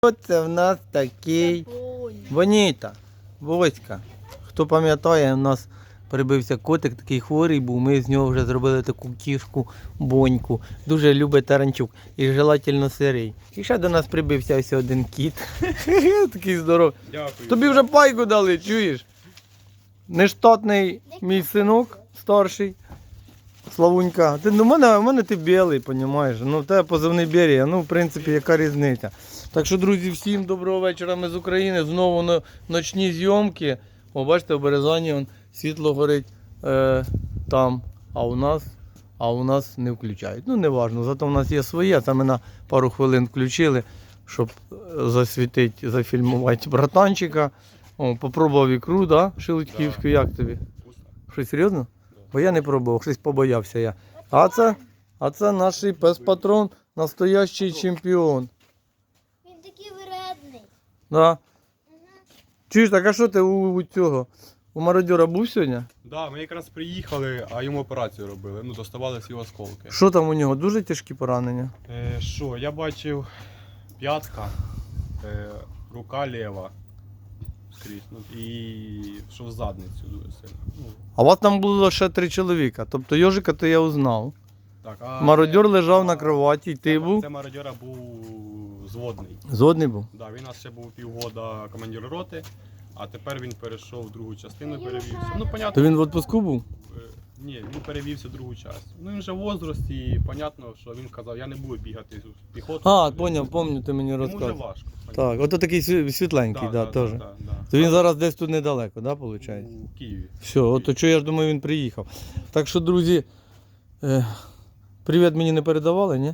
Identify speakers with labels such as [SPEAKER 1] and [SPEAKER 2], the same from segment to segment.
[SPEAKER 1] Це в нас такий Боніта, Боська. Хто пам'ятає, у нас прибився котик, такий хворий був, ми з нього вже зробили таку кішку Боньку. Дуже любить Таранчук і желательно сирий. І ще до нас прибився ось один кіт. Такий здоровий.
[SPEAKER 2] Дякую.
[SPEAKER 1] Тобі вже пайку дали, чуєш? Нештатний мій синок старший. Славунька, ти, у мене ти білий, розумієш? Ну, в тебе позивний Берія, ну, в принципі, яка різниця. Так що, друзі, всім доброго вечора, ми з України, знову на ночні зйомки. О, бачите, в Березані он, світло горить там, а у нас не включають. Ну, не важливо, зато в нас є своє, це ми на пару хвилин включили, щоб засвітити, зафільмувати братанчика. О, попробував ікру, да, шелудьківську, як тобі? Що, серйозно? Бо я не пробував, щось побоявся я. А це наш пес-патрон, настоящий чемпіон.
[SPEAKER 3] Він такий вредний.
[SPEAKER 1] Да. Чуєш, так а що ти у цього? У мародьора був сьогодні?
[SPEAKER 2] Так, да, ми якраз приїхали, а йому операцію робили. Ну, доставали всі осколки.
[SPEAKER 1] Що там у нього? Дуже тяжкі поранення?
[SPEAKER 2] Що, я бачив п'ятка, рука ліва скрізь, ну, і що в задницю дуже сильно. Ну,
[SPEAKER 1] А у вас там було ще 3 чоловіка, тобто Йожика то я узнав.
[SPEAKER 2] так, а
[SPEAKER 1] Мародьор лежав на кроваті, і ти був?
[SPEAKER 2] Це мародьора був зводний.
[SPEAKER 1] Згодний був?
[SPEAKER 2] Да, він у нас ще був півгода командир роти, а тепер він перейшов в другу частину, перевівся. Ну, понятно.
[SPEAKER 1] То він в відпуску був?
[SPEAKER 2] Ні, він перевівся в другу частину. Ну він вже в возрасті, і понятно, що він казав, я не буду бігати з піхотою.
[SPEAKER 1] А, пам'ятаю, ти мені
[SPEAKER 2] Йому вже
[SPEAKER 1] розказав.
[SPEAKER 2] важко.
[SPEAKER 1] Так, ото такий світленький, да, теж.
[SPEAKER 2] Да.
[SPEAKER 1] То він зараз десь тут недалеко, да, виходить?
[SPEAKER 2] У Києві.
[SPEAKER 1] Все, от що я ж думаю, він приїхав. Так що, друзі, привіт мені не передавали, ні?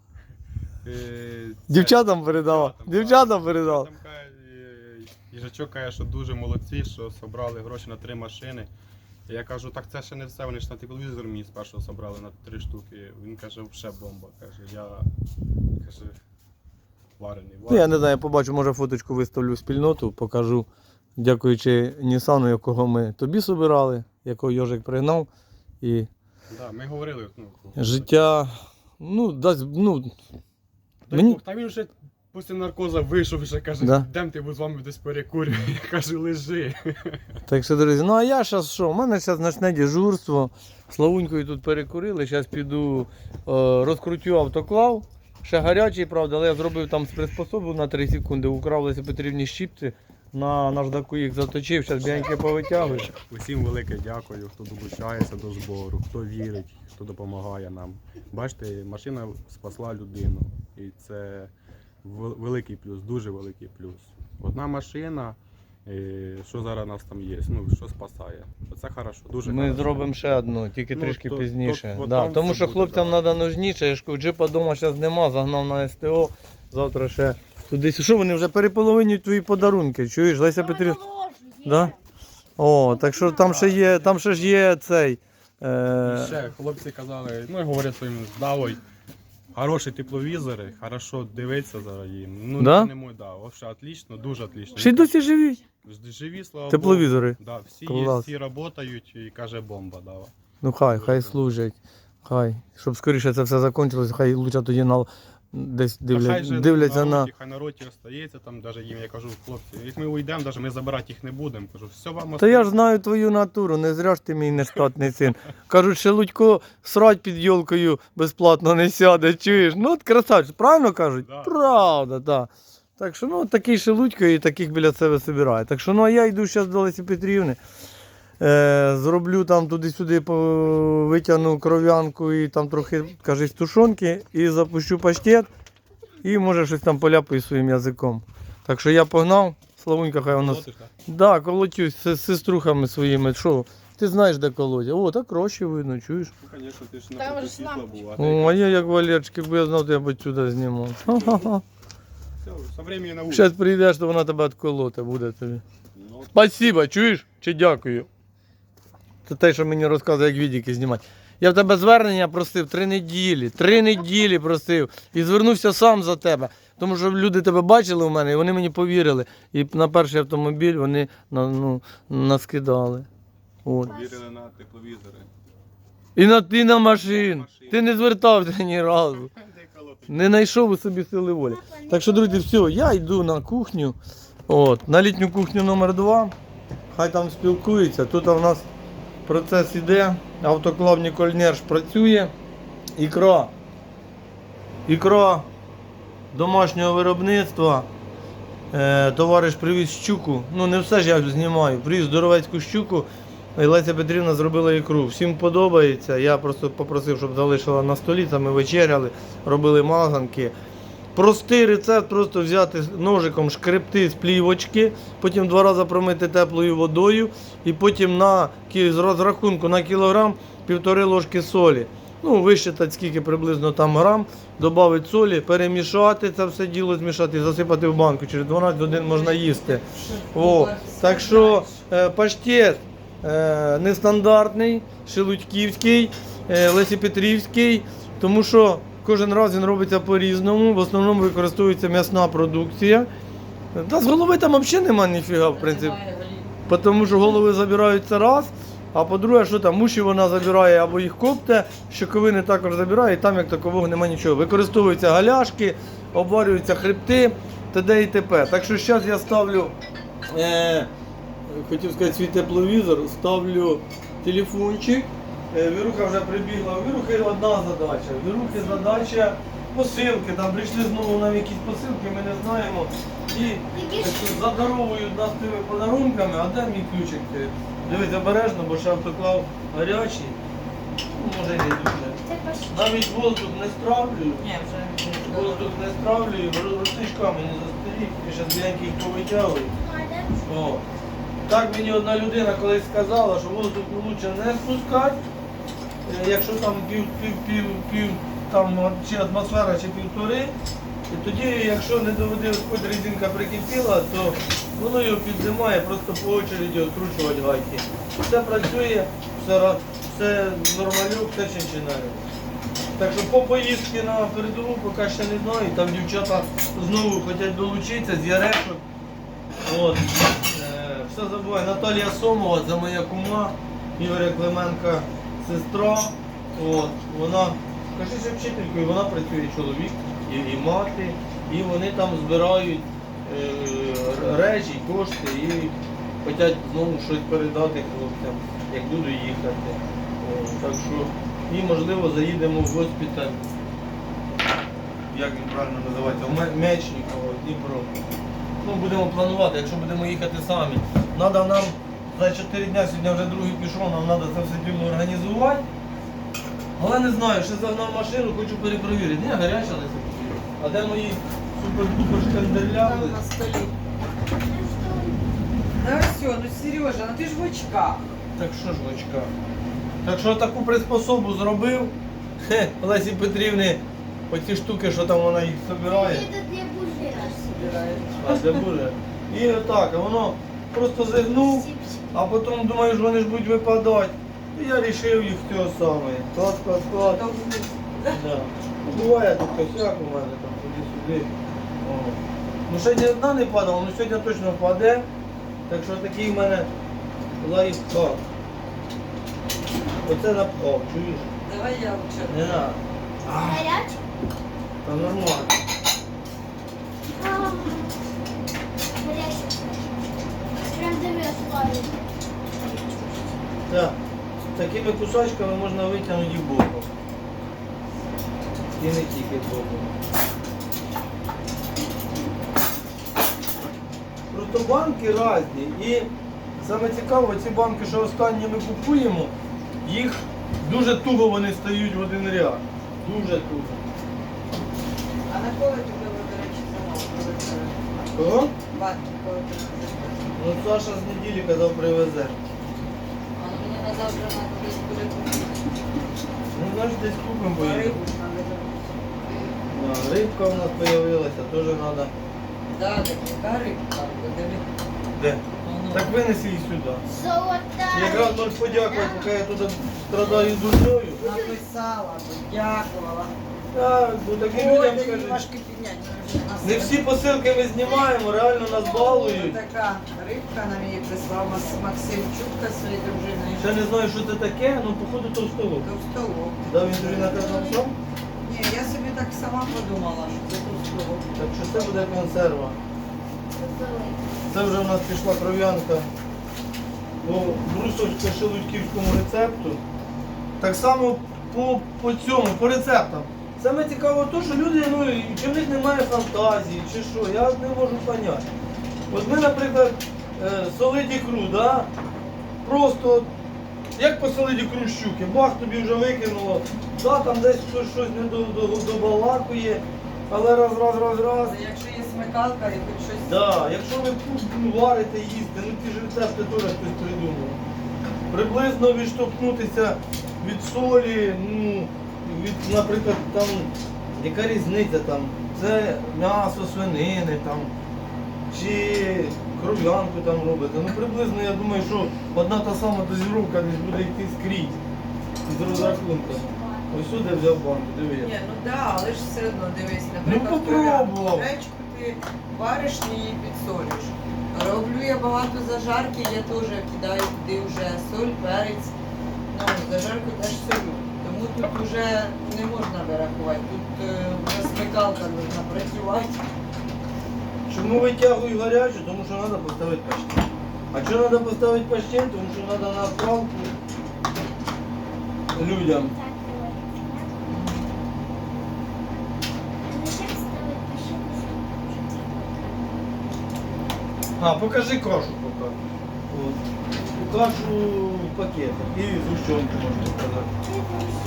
[SPEAKER 1] Дівчатам передавав. Дівчатам передавав.
[SPEAKER 2] Там їжачок каже, що дуже молодці, що зібрали гроші на 3 машини. І я кажу, так це ще не все, вони ж на тепловізор мені спершу зібрали на 3 штуки. Він каже, ще бомба. Каже, каже, варений.
[SPEAKER 1] Ну, я не знаю, я побачу, може фоточку виставлю в спільноту, покажу, дякуючи Нісану, якого ми тобі собирали, якого Йожик пригнав. І
[SPEAKER 2] Да, ми говорили,
[SPEAKER 1] життя, ну, дасть, ну, мені...
[SPEAKER 2] Та він вже після наркоза вийшов, вже каже,
[SPEAKER 1] Да?
[SPEAKER 2] йдемте, бо з вами десь перекурю. Я кажу, лежи.
[SPEAKER 1] Так що, друзі, ну а я зараз що? У мене зараз ночне дежурство. Славунькою тут перекурили. Зараз піду розкрутю автоклав. Ще гарячий, правда, але я зробив там приспособу на 3 секунди. Украв Лесі Петрівні щіпці. На наждаку їх заточив, зараз біяньки повитягую.
[SPEAKER 2] Усім велике дякую, хто долучається до збору, хто вірить, хто допомагає нам. Бачите, машина спасла людину. І це великий плюс, дуже великий плюс. Одна машина, що зараз у нас там є, ну, що спасає. Це хорошо, дуже
[SPEAKER 1] Ми
[SPEAKER 2] хорошо.
[SPEAKER 1] зробимо ще одну, тільки трішки пізніше.
[SPEAKER 2] от
[SPEAKER 1] Да,
[SPEAKER 2] там
[SPEAKER 1] тому
[SPEAKER 2] все
[SPEAKER 1] що
[SPEAKER 2] буде,
[SPEAKER 1] хлопцям
[SPEAKER 2] да.
[SPEAKER 1] треба нужніше. Я ж кажу, джипа вдома зараз нема, загнав на СТО. Завтра ще туди. Що вони вже переполовинюють твої подарунки? Чуєш, Леся Петрівна? Да? О, так що там ще ж є цей.
[SPEAKER 2] І ще хлопці казали, ну, говорять своїм здавою, хороші тепловізори, хорошо дивиться зараз їм. Ну,
[SPEAKER 1] Да?
[SPEAKER 2] це не мой, да, вообще отлично, дуже отлично.
[SPEAKER 1] Ще й досі живі.
[SPEAKER 2] Живі, слава
[SPEAKER 1] Тепловізори.
[SPEAKER 2] Богу. Да, всі
[SPEAKER 1] Клас.
[SPEAKER 2] є, всі працюють і каже бомба дала.
[SPEAKER 1] Ну хай служать. Хай. Щоб скоріше це все закінчилось, хай лучше тоді десь дивляться на.
[SPEAKER 2] Хай на роті остається, там навіть їм, я кажу, хлопці, як ми уйдемо, навіть ми забирати їх не будемо. Кажу, все вам
[SPEAKER 1] Та я ж знаю твою натуру, не зря ж ти мій нештатний син. Кажуть, Шелудько срать під йолкою безплатно не сяде, чуєш? Ну от красавчик, правильно кажуть?
[SPEAKER 2] Да.
[SPEAKER 1] Правда, так. Так що, ну, такий Шелудько і таких біля себе собирає. Так що, ну, а я йду зараз до Лесі Петрівни. Зроблю там туди-сюди, витягну кров'янку і там трохи, кажись, тушонки і запущу паштет. І може щось там поляпаю своїм язиком. Так що я погнав, Славунька хай у нас.
[SPEAKER 2] Колотиш, так?
[SPEAKER 1] Да, колотюсь з сеструхами своїми. Що? Ти знаєш, де колоть? О, так гроші видно, чуєш?
[SPEAKER 2] Ну, звісно, ти ж
[SPEAKER 3] Там
[SPEAKER 2] на
[SPEAKER 3] же
[SPEAKER 2] світла
[SPEAKER 3] лампочка.
[SPEAKER 2] був, а
[SPEAKER 1] О, а
[SPEAKER 2] ти
[SPEAKER 1] я як Валерчик, якби я знав, то я б сюди знімав. Ха-ха-ха.
[SPEAKER 2] все, со времени на вулиці.
[SPEAKER 1] Зараз прийдеш, то вона тебе відколоти буде тобі.
[SPEAKER 2] Ну,
[SPEAKER 1] Спасибо, чуєш? Чи дякую? Це те, що мені розказує, як відео знімати. Я в тебе звернення просив 3 неділі. 3 неділі просив. І звернувся сам за тебе. Тому що люди тебе бачили у мене, і вони мені повірили. І на перший автомобіль вони наскидали. От.
[SPEAKER 2] вірили на тепловізори.
[SPEAKER 1] І на машин. Ти не звертався ні разу.
[SPEAKER 2] Де колоти
[SPEAKER 1] Не знайшов у собі сили волі. Так що, друзі, все, я йду на кухню. От, на літню кухню номер 2. Хай там спілкуються. Тут у нас процес іде. Автоклав Нікольнерш працює. Ікра домашнього виробництва. Товариш привіз щуку. Ну не все ж я знімаю. Привіз здоровецьку щуку. І Леся Петрівна зробила ікру. Всім подобається. Я просто попросив, щоб залишила на столі. Там ми вечеряли, робили мазанки. Простий рецепт, просто взяти ножиком, шкребти з плівочки, потім 2 рази промити теплою водою і потім з розрахунку на кілограм 1,5 ложки солі. Ну, висчитати скільки приблизно там грам, додати солі, перемішати це все діло, змішати і засипати в банку. Через 12 годин можна їсти. О, так що паштет нестандартний, шелудьківський, Лесі-Петрівський, тому що кожен раз він робиться по-різному, в основному використовується м'ясна продукція. Та з голови там взагалі немає ніфіга, в принципі. Тому що голови забираються раз, а по-друге, що там, муші вона забирає або їх копте, щоковини також забирає, і там як такового немає нічого. Використовуються галяшки, обварюються хребти, т.д. і т.п. Так що зараз я ставлю, хотів сказати, свій тепловізор, ставлю телефончик. Віруха вже прибігла. У Вірухи одна задача. У Вірухи задача посилки. Там прийшли знову нам якісь посилки, ми не знаємо. І задаровують нас тими подарунками, а де мій ключик? Дивись обережно, бо ще автоклав гарячий. Ну, може і не дуже. Навіть воздух не стравлюю. Воздух не стравлюю, ростичками не застарів, і ще біленькі їх повитягую. О. Так мені одна людина колись сказала, що воздух краще не спускати, якщо там там, чи атмосфера, чи 1,5. І тоді, якщо не доведе, хоч резинка прикипіла, то воно його піднімає, просто по очереді відкручувати гайки. Все працює, все нормальок, все чинчинає. Так що по поїздці на передову поки ще не знаю, там дівчата знову хочуть долучитися з Ярешок. От. Все забуваю, Наталія Сомова, це моя кума, Ігоря Клименка сестра. От. Вона, кажи, що вчителькою, вона працює чоловік і мати, і вони там збирають речі, кошти і хочуть знову щось передати хлопцям, як буду їхати. От. Так що, і можливо заїдемо в госпіталь, як він правильно називається, в Мечніково, Дніпро. Ну, будемо планувати, якщо будемо їхати самі. Треба нам за 4 дні, сьогодні вже другий пішов, нам треба це все діло організувати. Але не знаю, ще загнав машину, хочу перепровірити. Не, гаряча Леся. А де мої супер-пупер шкандерляли?
[SPEAKER 4] Там на столі. Да все, ну Сережа, ну ти ж в очках.
[SPEAKER 1] Так що ж в очках? Так що таку приспособу зробив. Лесі Петрівни, оці штуки, що там вона їх збирає. А це буде. І отак, а воно просто зігнув, а потім думаю, що вони ж будуть випадати. І я вирішив їх цього саме. Клад. Да. Буває тут косяк у мене там туди-сюди. О. Ну ще ні одна не падала, але сьогодні точно впаде. Так що такий в мене лайфхак. Оце напхав, чуєш?
[SPEAKER 4] Давай я лучше.
[SPEAKER 1] Не надо.
[SPEAKER 3] Гарячий?
[SPEAKER 1] Та нормально.
[SPEAKER 3] Гарячий. Прям дивись, ловить.
[SPEAKER 1] Так. Такими кусочками можна витягнути і боком. І не тільки боком. Просто банки різні. І саме цікаво, ці банки, що останні ми купуємо, їх дуже туго вони стають в один ряд. Дуже туго.
[SPEAKER 4] А на кого ти був, до речі, замовив?
[SPEAKER 1] Кого?
[SPEAKER 4] Банки, кого ти замовив?
[SPEAKER 1] Ну Саша з неділі казав привезе.
[SPEAKER 4] А ну мені на завтра треба десь буде купити.
[SPEAKER 1] Ну значить десь купимо поїдемо.
[SPEAKER 4] Рибу ж треба замовити.
[SPEAKER 1] Рибка у нас з'явилася, теж треба.
[SPEAKER 4] Да, так яка рибка? Диви.
[SPEAKER 1] Де?
[SPEAKER 4] Ну,
[SPEAKER 1] Так винеси її сюди.
[SPEAKER 3] Золота.
[SPEAKER 1] Якраз можеш подякувати, поки я тут страдаю дурньою.
[SPEAKER 4] написала, дякувала.
[SPEAKER 1] Так, бо таким
[SPEAKER 4] Ой,
[SPEAKER 1] людям
[SPEAKER 4] да
[SPEAKER 1] скажуть.
[SPEAKER 4] немножко підняти.
[SPEAKER 1] Не всі посилки ми знімаємо, реально нас балують.
[SPEAKER 4] Така рибка нам її прислав Максим Чутка своєю дружиною.
[SPEAKER 1] Ще не знаю, що це таке, ну походу товстолоб.
[SPEAKER 4] Товстолоб.
[SPEAKER 1] Да, він тобі наказав сам?
[SPEAKER 4] Ні, я я собі так сама подумала, що це тут.
[SPEAKER 1] Так що це буде консерва. Це вже в нас пішла кров'янка по брусочку шелудьківському рецепту. Так само по рецептам. Саме цікаво те, що люди, чи в них немає фантазії, чи що, я не можу зрозуміти. От ми, наприклад, солить ікру, да? Просто як посолить ікру щуки, бах, тобі вже викинуло, да, там десь хтось щось не добалакує, але раз.
[SPEAKER 4] Якщо є смикалка і хоч щось.
[SPEAKER 1] Да, якщо ви варите, їсти, ті ж рецепти теж хтось придумав. Приблизно відштовхнутися від солі, від, наприклад, там, яка різниця там, це м'ясо свинини там, чи кров'янку там робите. Приблизно я думаю, що одна та сама дозіровка десь буде йти скрізь з розрахунком. Ось сюди взяв банку, диви.
[SPEAKER 4] Ні, ну да, але ж все одно дивись, наприклад,
[SPEAKER 1] попробував.
[SPEAKER 4] гречку ти вариш і її підсолюєш. Роблю я багато зажарки, я теж кидаю туди вже соль, перець. Ну, зажарку теж солю. Тому тут вже не можна вирахувати, тут вже смикалка можна працювати.
[SPEAKER 1] Чому витягую гарячу? Тому що треба поставити паштет. А чого треба поставити паштет? Тому що треба на палку людям. А, покажи кашу поки. От. Кашу в пакетах і згущенку можна сказати.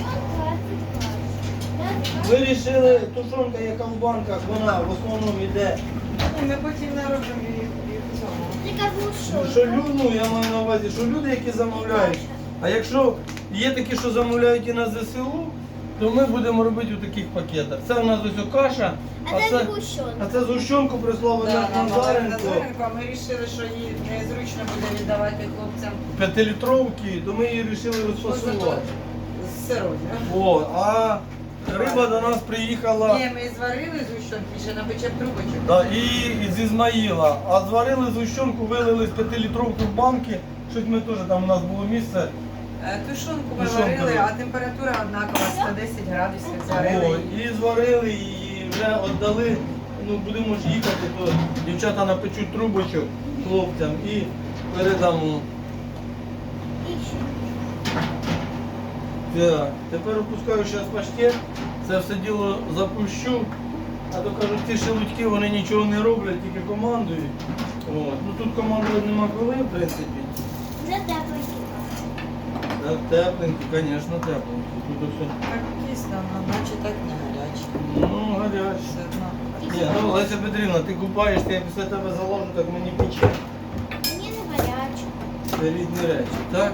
[SPEAKER 1] Вирішили, тушонка, яка в банках, вона в основному йде.
[SPEAKER 4] І ми потім не робимо її в цьому.
[SPEAKER 1] Що люди, я маю на увазі, що люди, які замовляють. А якщо є такі, що замовляють і на ЗСУ, то ми будемо робити у таких пакетах. Це у нас ось каша, а це згущенку прислав
[SPEAKER 4] Да, нам
[SPEAKER 1] Назаренко.
[SPEAKER 4] Назаренко, а ми вирішили, що її незручно буде віддавати хлопцям
[SPEAKER 1] 5-літровки, то ми її вирішили розфасувати.
[SPEAKER 4] з сирою.
[SPEAKER 1] О, а риба до нас приїхала
[SPEAKER 4] Ні, ми зварили згущенки, ще напечемо трубочок.
[SPEAKER 1] да, і з Ізмаїла. А зварили згущенку, вилили з 5-літровки в банки. Щось ми теж, там у нас було місце.
[SPEAKER 4] Тушонку ми
[SPEAKER 1] Тушонку,
[SPEAKER 4] варили,
[SPEAKER 1] да.
[SPEAKER 4] а температура однакова, 110 градусів
[SPEAKER 1] О,
[SPEAKER 4] зварили.
[SPEAKER 1] і зварили, і вже віддали. Ну, будемо ж їхати, то дівчата напечуть трубочок хлопцям і передамо. Так, тепер опускаю зараз паштет, це все діло запущу. А то кажуть, ці шелудьки, вони нічого не роблять, тільки командують. От. Ну тут командувати нема коли, в принципі. Так, тепленькі, звісно, тепленькі. Тут все.
[SPEAKER 4] Так дійсно, наче так не гаряче.
[SPEAKER 1] Ну, гаряче.
[SPEAKER 4] Все одно.
[SPEAKER 1] Ні, ну, Леся Петрівна, ти купаєшся, я після тебе заложу, так мені пече.
[SPEAKER 3] Мені не гаряче.
[SPEAKER 1] Це різні речі, так?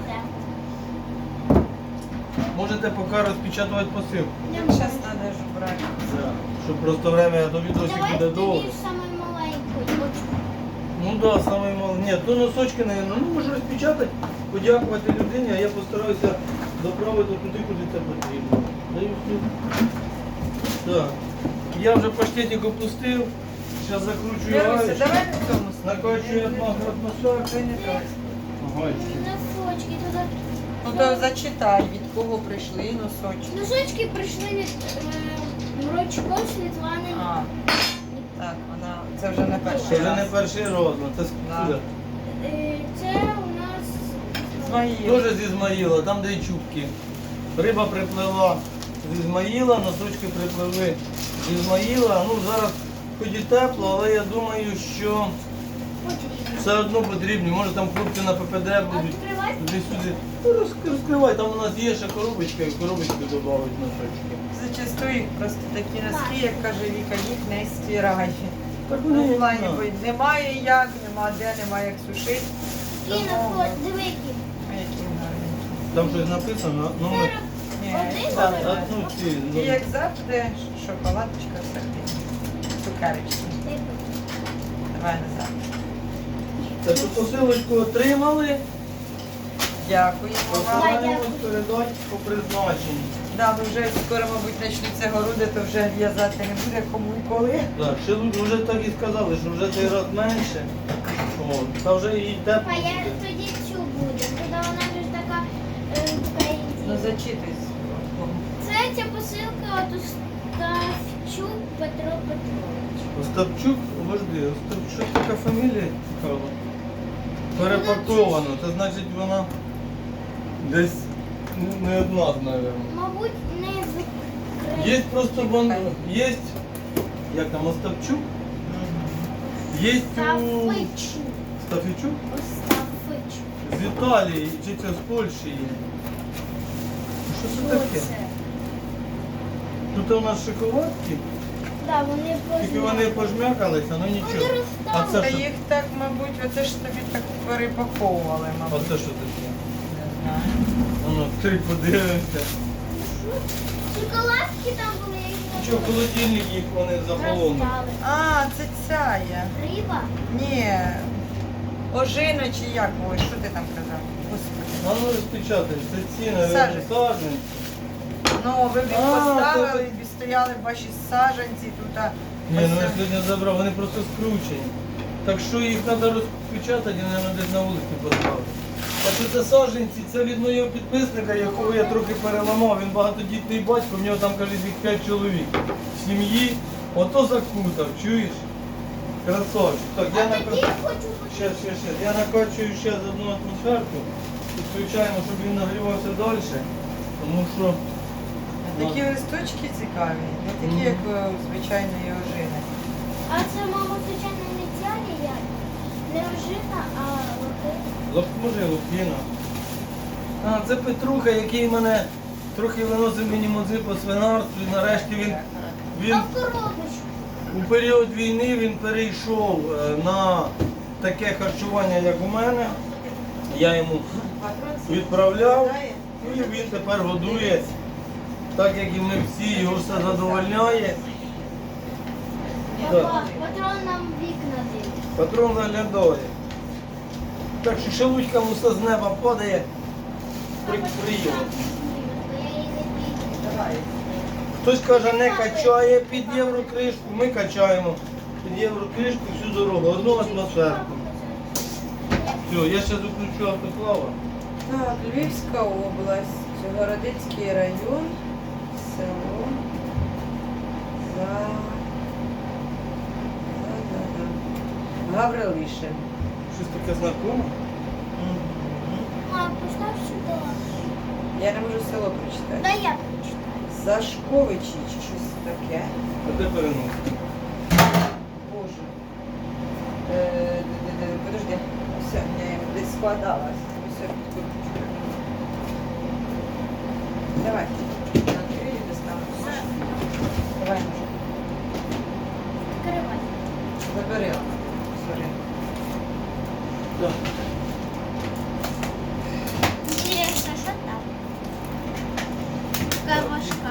[SPEAKER 1] Можете поки розпечатувати посилку.
[SPEAKER 4] Зараз треба ж брати.
[SPEAKER 1] Так. Щоб просто время, а то відосик
[SPEAKER 3] Давай
[SPEAKER 1] буде довго.
[SPEAKER 3] тоді саму маленьку.
[SPEAKER 1] Ну так, да, саме мало. Ні, то носочки, наверное, ну можу розпечатати, подякувати людині, а я постараюся доправити туди, куди це потрібно. Даю все. Так. Я вже паштетик опустив, зараз закручую
[SPEAKER 4] Віруся,
[SPEAKER 1] гаєчку.
[SPEAKER 4] давай на цьому
[SPEAKER 1] Накачую атмосферу.
[SPEAKER 4] Це не так.
[SPEAKER 1] Гаєчки.
[SPEAKER 3] Носочки туди.
[SPEAKER 4] Ну то зачитай, від кого прийшли носочки.
[SPEAKER 3] Носочки прийшли від Мрочко Світлани.
[SPEAKER 4] А, так, вона, це вже не перший
[SPEAKER 1] Це вже не
[SPEAKER 4] раз.
[SPEAKER 1] перший розмір, це
[SPEAKER 4] Да.
[SPEAKER 1] скуда.
[SPEAKER 3] Це у нас
[SPEAKER 4] Ізмаїл.
[SPEAKER 1] Теж з Ізмаїла, там де й чубки. Риба приплила з Ізмаїла, носочки припливли з Ізмаїла. Ну зараз хоч і тепло, але я думаю, що
[SPEAKER 3] потрібно.
[SPEAKER 1] все одно потрібні. Може там хлопці на ППД будуть
[SPEAKER 3] Відкривай.
[SPEAKER 1] туди-сюди. Ну, розкривай, там у нас є ще коробочка, і в коробочку додають носочки.
[SPEAKER 4] Зачастую їх просто такі носки, як каже Віка, їх не стирай.
[SPEAKER 1] Так
[SPEAKER 4] Ну,
[SPEAKER 1] вони,
[SPEAKER 4] в плані,
[SPEAKER 1] да.
[SPEAKER 4] бо немає як, нема де, немає як сушити.
[SPEAKER 3] І на диви, які.
[SPEAKER 4] Які гарні.
[SPEAKER 1] Там щось написано, ну ми...
[SPEAKER 4] Ні,
[SPEAKER 3] Один
[SPEAKER 4] так,
[SPEAKER 3] номер?
[SPEAKER 4] так.
[SPEAKER 1] Ну, ці,
[SPEAKER 4] І
[SPEAKER 1] ну,
[SPEAKER 4] як завжди, шоколадочка, все цукерочки. Давай назад.
[SPEAKER 1] це що посилочку отримали,
[SPEAKER 4] Дякуємо вам.
[SPEAKER 1] постараємось передати по призначенню.
[SPEAKER 4] Да, бо вже скоро, мабуть, почнуться городи, то вже в'язати не буде кому і коли.
[SPEAKER 1] Так, ще вже так і сказали, що вже цей раз менше. О, та вже і тепло
[SPEAKER 3] А я
[SPEAKER 1] буде.
[SPEAKER 3] тоді цю буду. Тоді вона ж така
[SPEAKER 4] Ну
[SPEAKER 3] інтересна.
[SPEAKER 4] зачитуйся.
[SPEAKER 3] Це ця посилка от Остапчук Петро Петрович.
[SPEAKER 1] Остапчук, обожди, Остапчук, така фамілія цікава. Перепаковано, це значить вона десь не одна, мабуть.
[SPEAKER 3] Мабуть, не з
[SPEAKER 1] Є просто є, як там, Остапчук? Є у
[SPEAKER 3] Остафичук.
[SPEAKER 1] Стафічук?
[SPEAKER 3] Остафичук.
[SPEAKER 1] З Італії, чи це з Польщі є. Що це таке?
[SPEAKER 3] Оце.
[SPEAKER 1] Тут у нас шоколадки,
[SPEAKER 3] Да, вони
[SPEAKER 1] тільки вони пожмякалися, ну нічого. А
[SPEAKER 3] розставили.
[SPEAKER 1] це що?
[SPEAKER 4] Їх так, мабуть, оце ж тобі так перепаковували,
[SPEAKER 1] А
[SPEAKER 4] мабуть.
[SPEAKER 1] це що таке?
[SPEAKER 4] Не знаю.
[SPEAKER 1] Воно, ти подивимося.
[SPEAKER 3] Шоколадки там були, які
[SPEAKER 1] Що, в холодильник їх вони захолонуть.
[SPEAKER 3] розстали.
[SPEAKER 4] А, це ця є.
[SPEAKER 3] Риба?
[SPEAKER 4] Ні. Ожина чи як? Ой, що ти там казав? Господи.
[SPEAKER 1] А ну розпечатай, це ці, навіть,
[SPEAKER 4] Саджанці.
[SPEAKER 1] саджанці.
[SPEAKER 4] Ну, ви б їх
[SPEAKER 1] А,
[SPEAKER 4] поставили,
[SPEAKER 1] то-
[SPEAKER 4] і стояли ваші саджанці тут.
[SPEAKER 1] Ні, ну я сьогодні забрав, вони просто скручені. Так що їх треба розпечатати і, мабуть, десь на вулиці поставити. Так що це саджанці, це від моєго підписника, якого я трохи переламав. Він багатодітний батько, в нього там, кажуть, їх 5 чоловік в сім'ї. Ото закутав, чуєш? Красавчик. Так, я
[SPEAKER 3] А тоді
[SPEAKER 1] накачую.
[SPEAKER 3] я хочу
[SPEAKER 1] Ще. Я накачую ще з одну атмосферку. Підключаємо, щоб він нагрівався далі. Тому що
[SPEAKER 4] Такі листочки цікаві, не такі, як у звичайної ожини.
[SPEAKER 3] А це, мама, звичайно, не ця я. Не ожина, а лохи.
[SPEAKER 1] може лупіна. А, це Петруха, який мене трохи виносив мені музи по свинарству. І нарешті він
[SPEAKER 3] А в коробочку.
[SPEAKER 1] у період війни він перейшов на таке харчування, як у мене. Я йому відправляв, і він тепер годує, так як і ми всі, його все задовольняє. Так.
[SPEAKER 3] Папа, патрон нам вікна дивить.
[SPEAKER 1] Патрон заглядає. Так що шелудькам усе з неба падає. Приємно.
[SPEAKER 3] Бо я її не бачу.
[SPEAKER 4] Давай.
[SPEAKER 1] Хтось каже, не качає під єврокришку, ми качаємо під єврокришку всю дорогу, одну атмосферку. Все, я ще заключу автоклава.
[SPEAKER 4] Так, Львівська область, Городицький район, село Гаврилишин.
[SPEAKER 1] Щось таке знакоме?
[SPEAKER 3] Мам, постав сюди.
[SPEAKER 4] Я не можу село прочитати.
[SPEAKER 3] Да я прочитаю.
[SPEAKER 4] Зашковичі чи щось таке.
[SPEAKER 1] А де переносити?
[SPEAKER 4] Боже. Подожди. Все, я десь складалась. Все, підкручу. Давай. Открили, достану. Давай, може.
[SPEAKER 3] Відкривай.
[SPEAKER 4] Забери. Сорі.
[SPEAKER 1] Так.
[SPEAKER 3] Інтересно, що там? Така важка.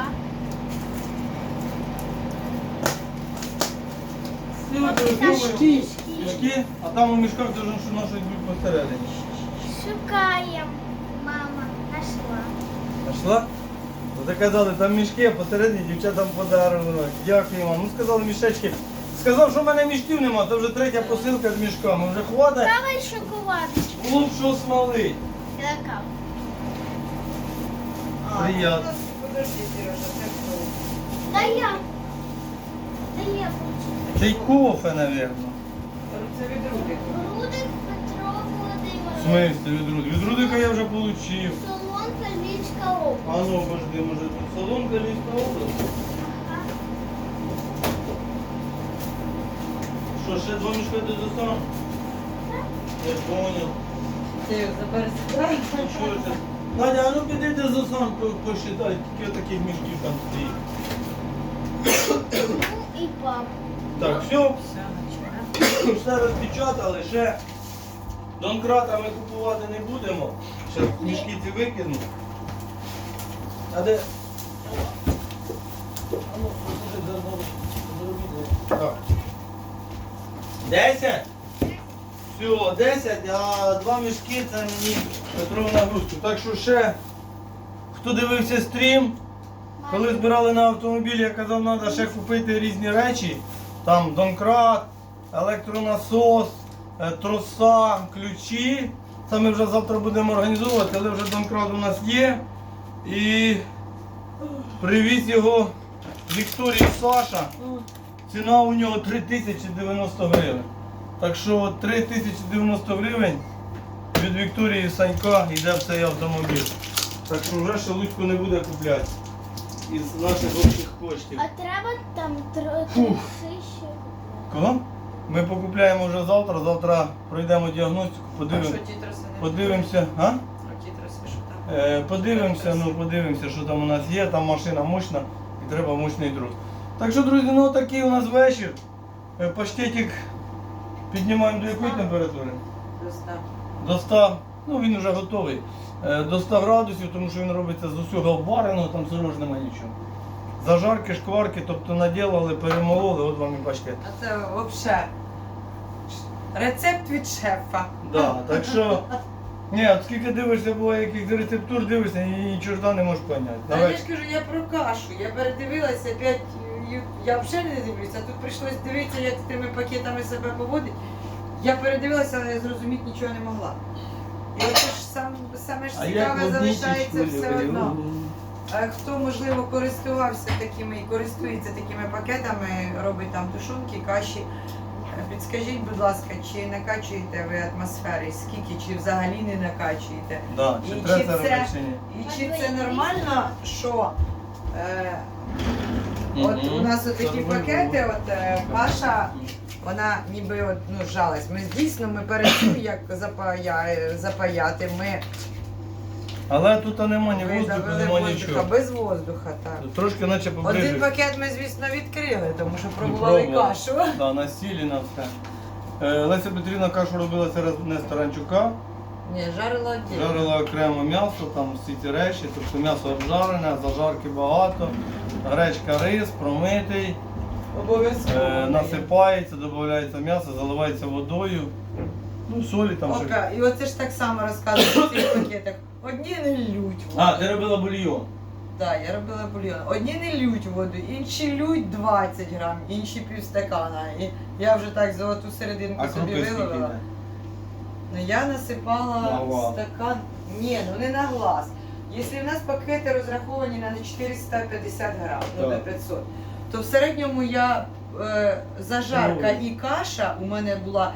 [SPEAKER 1] Мішки. Мішки, а там у мішках дуже що щось бути посередині.
[SPEAKER 3] Шукаємо. Мама, нашла.
[SPEAKER 1] Нашла? Ви казали, там мішки, а посередині дівчатам подарунок. Дякую вам. Ну сказали мішечки. Сказав, що в мене мішків нема, це вже третя посилка з мішками. Вже хватить.
[SPEAKER 3] Давай шоколадочку.
[SPEAKER 1] Клуб, що смолить.
[SPEAKER 3] Така.
[SPEAKER 1] Приятно.
[SPEAKER 4] Подожди, Сережа, це хто?
[SPEAKER 3] Да я. Да я хочу.
[SPEAKER 1] Це й кофе, мабуть.
[SPEAKER 4] Це від Рудика.
[SPEAKER 3] Рудик Петро
[SPEAKER 1] В
[SPEAKER 3] Володимирович.
[SPEAKER 1] смысле від Рудика? Від Рудика я вже отримав.
[SPEAKER 3] Солонка, Львівська область.
[SPEAKER 1] А ну, пожди, може тут Солонка Львівська область?
[SPEAKER 3] Ага.
[SPEAKER 1] Що, ще 2 мішка ти достану? Я понял.
[SPEAKER 4] Ти його забери.
[SPEAKER 1] Ну що це? Надя, а ну піди ти за сам посчитай, скільки таких мішків там стоїть.
[SPEAKER 3] Ну і папа.
[SPEAKER 1] Так, все,
[SPEAKER 4] Все,
[SPEAKER 1] все розпечатали, ще донкрата ми купувати не будемо. Ще мішки ці викину. А де? А ну, посиди, зробіть. Так. 10? Все, 10, а 2 мішки це мені Петро в нагрузку. Так що ще, хто дивився стрім, коли збирали на автомобіль, я казав, треба ще купити різні речі. Там донкрат, електронасос, троса, ключі. Це ми вже завтра будемо організовувати, але вже донкрат у нас є. І привіз його Вікторії Саша. Ціна у нього 3090 гривень. Так що 3090 гривень від Вікторії Санька йде в цей автомобіль. Так що вже Шелудько не буде купляти із наших общих коштів.
[SPEAKER 3] А треба там
[SPEAKER 1] Фух.
[SPEAKER 3] 3000.
[SPEAKER 1] Кого? Ми покупляємо вже завтра, завтра пройдемо діагностику, подивимося. А? Подивимося, що там у нас є, там машина мощна і треба мощний друг. Так що, друзі, ну такий у нас вечір. Паштетик піднімаємо до якої температури? До 100, ну він вже готовий. До 100 градусів, тому що він робиться з усього обвареного, там сирож немає нічого. Зажарки, шкварки, тобто наділили, перемололи, от вам і паштет.
[SPEAKER 4] А це взагалі рецепт від шефа.
[SPEAKER 1] Да, так що, ні, от скільки дивишся, буває яких рецептур дивишся, і нічого не можеш поняти.
[SPEAKER 4] Та я ж кажу, я про кашу. Я передивилася опять, я взагалі не дивлюся. Тут прийшлось дивитися, як з тими пакетами себе поводить. Я передивилася, але зрозуміти нічого не могла. І от ж саме ж цікаве залишається все одно. А хто, можливо, користувався такими і користується такими пакетами, робить там тушонки, каші, підскажіть, будь ласка, чи накачуєте ви атмосфери, скільки, чи взагалі не накачуєте?
[SPEAKER 1] Да, чи
[SPEAKER 4] І
[SPEAKER 1] треба
[SPEAKER 4] чи
[SPEAKER 1] це робити, чи ні?
[SPEAKER 4] І чи це нормально, що от у нас отакі пакети, от каша, вона ніби от, ну, жалась. Ми дійсно ми перед тим, як запаяти, ми
[SPEAKER 1] Але тут нема ні воздуху,
[SPEAKER 4] видавили
[SPEAKER 1] нема
[SPEAKER 4] воздуха,
[SPEAKER 1] нічого.
[SPEAKER 4] без воздуха, так.
[SPEAKER 1] Тут трошки наче
[SPEAKER 4] Один
[SPEAKER 1] поближе.
[SPEAKER 4] пакет ми, звісно, відкрили, тому що пробували
[SPEAKER 1] пробували.
[SPEAKER 4] кашу.
[SPEAKER 1] Да, на сілі, на все. Леся Петрівна кашу робила через не з таранчука,
[SPEAKER 4] Ні, жарила віддільно.
[SPEAKER 1] жарила окремо м'ясо, там всі ці речі, тобто м'ясо обжарене, зажарки багато, гречка, рис, промитий,
[SPEAKER 4] Обов'язково.
[SPEAKER 1] насипається, додається м'ясо, заливається водою, ну солі там ще.
[SPEAKER 4] Ока, і оце ж так само розказують в цих пакетах. Одні не лють воду.
[SPEAKER 1] А, ти робила бульйон.
[SPEAKER 4] Так, я робила бульйон. Одні не лють воду, інші лють 20 грам, інші півстакана. І я вже так золоту серединку
[SPEAKER 1] А
[SPEAKER 4] собі
[SPEAKER 1] крупи скільки
[SPEAKER 4] виловила.
[SPEAKER 1] йде?
[SPEAKER 4] Ну я насипала
[SPEAKER 1] На глаз.
[SPEAKER 4] стакан. Ні, ну не на глаз. Якщо в нас пакети розраховані на 450 грам, ну
[SPEAKER 1] Так.
[SPEAKER 4] на 500, то в середньому я зажарка
[SPEAKER 1] Ну.
[SPEAKER 4] і каша у мене була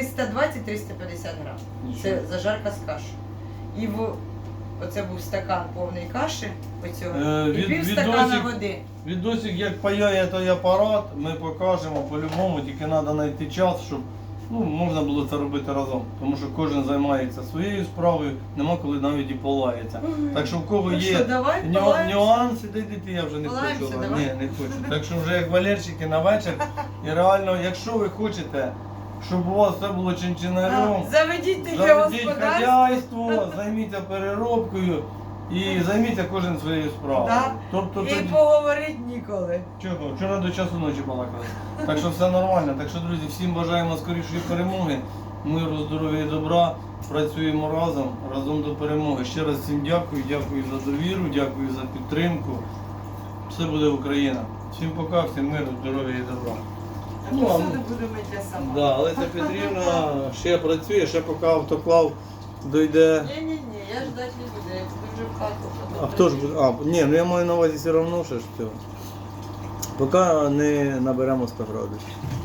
[SPEAKER 4] 320-350 грам. Це
[SPEAKER 1] Нічого.
[SPEAKER 4] зажарка з кашею. І оце був стакан повний каші, оцього, і пів стакана води.
[SPEAKER 1] Відосик, як паяє той апарат, ми покажемо по-любому, тільки треба знайти час, щоб можна було це робити разом. Тому що кожен займається своєю справою, нема коли навіть і полається. Так що в кого
[SPEAKER 4] Ну
[SPEAKER 1] є
[SPEAKER 4] що, давай полаємося?
[SPEAKER 1] нюанси, дійти я вже не
[SPEAKER 4] Полаємося,
[SPEAKER 1] хочу.
[SPEAKER 4] давай.
[SPEAKER 1] Ні, не хочу. Так що вже як валерчики на вечір. І реально, якщо ви хочете, щоб у вас все було чинчинарем,
[SPEAKER 4] Заведіть таке
[SPEAKER 1] заведіть
[SPEAKER 4] господарство.
[SPEAKER 1] хазяйство, займіться переробкою і займіться кожен своєю справою.
[SPEAKER 4] Да.
[SPEAKER 1] Тобто
[SPEAKER 4] І
[SPEAKER 1] тоді...
[SPEAKER 4] поговорити ніколи.
[SPEAKER 1] Чого? Вчора до часу ночі балакали. Так що все нормально. Так що, друзі, всім бажаємо скорішої перемоги, миру, здоров'я і добра. Працюємо разом до перемоги. Ще раз всім дякую за довіру, дякую за підтримку. Все буде Україна. Всім пока, всім миру, здоров'я і добра.
[SPEAKER 4] А
[SPEAKER 1] Ну,
[SPEAKER 4] посуду буду мити я сама.
[SPEAKER 1] Да, Леся Петрівна ще працює, ще поки автоклав дойде.
[SPEAKER 4] Ні, я ждати не буду, я піду вже в хату.
[SPEAKER 1] А хто ж буде? Ні, ну я маю на увазі все одно ще ж цього. Поки не наберемо 100 градусів.